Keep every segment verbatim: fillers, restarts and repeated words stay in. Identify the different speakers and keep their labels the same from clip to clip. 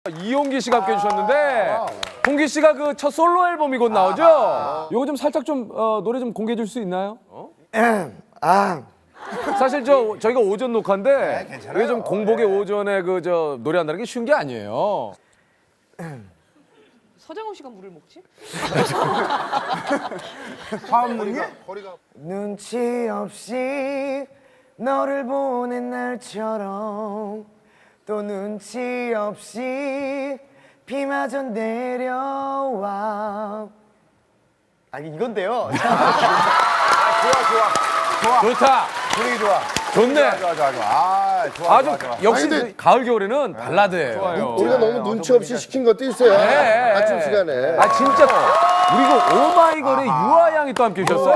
Speaker 1: 이용기 씨가 함께 해주셨는데 홍기 씨가 그 첫 솔로 앨범이 곧 나오죠? 요거 좀 살짝 좀 어, 노래 좀 공개해 줄 수 있나요?
Speaker 2: 아,
Speaker 1: 사실 저 저희가 오전 녹화인데 이게 좀 공복에 오전에 그 저 노래한다는 게 쉬운 게 아니에요.
Speaker 3: 서장훈 씨가 물을 먹지?
Speaker 2: 눈치 없이 너를 보낸 날처럼 또 눈치 없이 비마저 내려와. 아니 이건데요.
Speaker 1: 좋다.
Speaker 4: 분위기 좋아.
Speaker 1: 좋네.
Speaker 4: 좋아, 좋아, 좋아. 아, 좋아,
Speaker 1: 아주
Speaker 4: 좋아, 좋아.
Speaker 1: 역시
Speaker 5: 아니, 근데-
Speaker 1: 가을 겨울에는 발라드예요.
Speaker 5: 우리가 너무 눈치 없이 시킨 것도 있어요.
Speaker 1: 네.
Speaker 5: 아침 시간에.
Speaker 1: 아 진짜 그리고 오마이걸의 유아 양이 또 함께 오셨어요.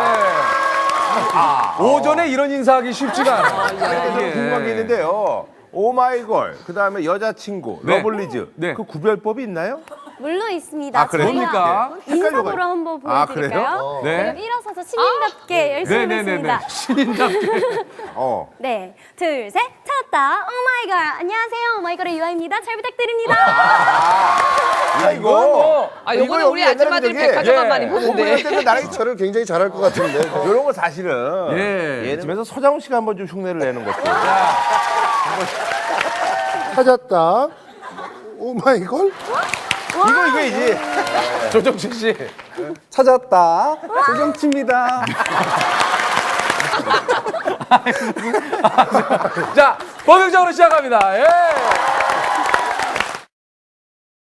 Speaker 1: 예. 오전에 이런 인사하기 쉽지가 않아요.
Speaker 4: 근데 저는 궁금한 게 있는데요. 오마이걸, 그 다음에 여자친구,
Speaker 1: 네.
Speaker 4: 러블리즈.
Speaker 1: 네.
Speaker 4: 그 구별법이 있나요?
Speaker 6: 물론 있습니다.
Speaker 4: 아, 그래요?
Speaker 1: 뭡니까?
Speaker 6: 인사보로 한번
Speaker 4: 아,
Speaker 6: 보여드릴까요?
Speaker 1: 네.
Speaker 6: 그럼 일어서서 시민답게 열심히
Speaker 1: 네네네네.
Speaker 6: 하겠습니다.
Speaker 1: 신인답게.
Speaker 4: 어.
Speaker 6: 네, 둘, 셋, 찾았다. 오마이걸. 안녕하세요, 오마이걸의 유아입니다. 잘 부탁드립니다.
Speaker 4: 야, 이거 뭐.
Speaker 3: 아, 요거는 우리 아줌마들이 백화점만 많이 보는데.
Speaker 4: 공부할 때도 나랑
Speaker 5: 저를 굉장히 잘할 것 같은데.
Speaker 4: 이런 거 사실은
Speaker 1: 예.
Speaker 4: 예능에서 서장훈 씨가 한번 좀 흉내를 내는 것도.
Speaker 5: 찾았다. 오마이걸?
Speaker 4: 이거 이거이지.
Speaker 1: 조정치 씨.
Speaker 2: 찾았다. 조정치입니다.
Speaker 1: 자, 본격적으로 시작합니다. 예.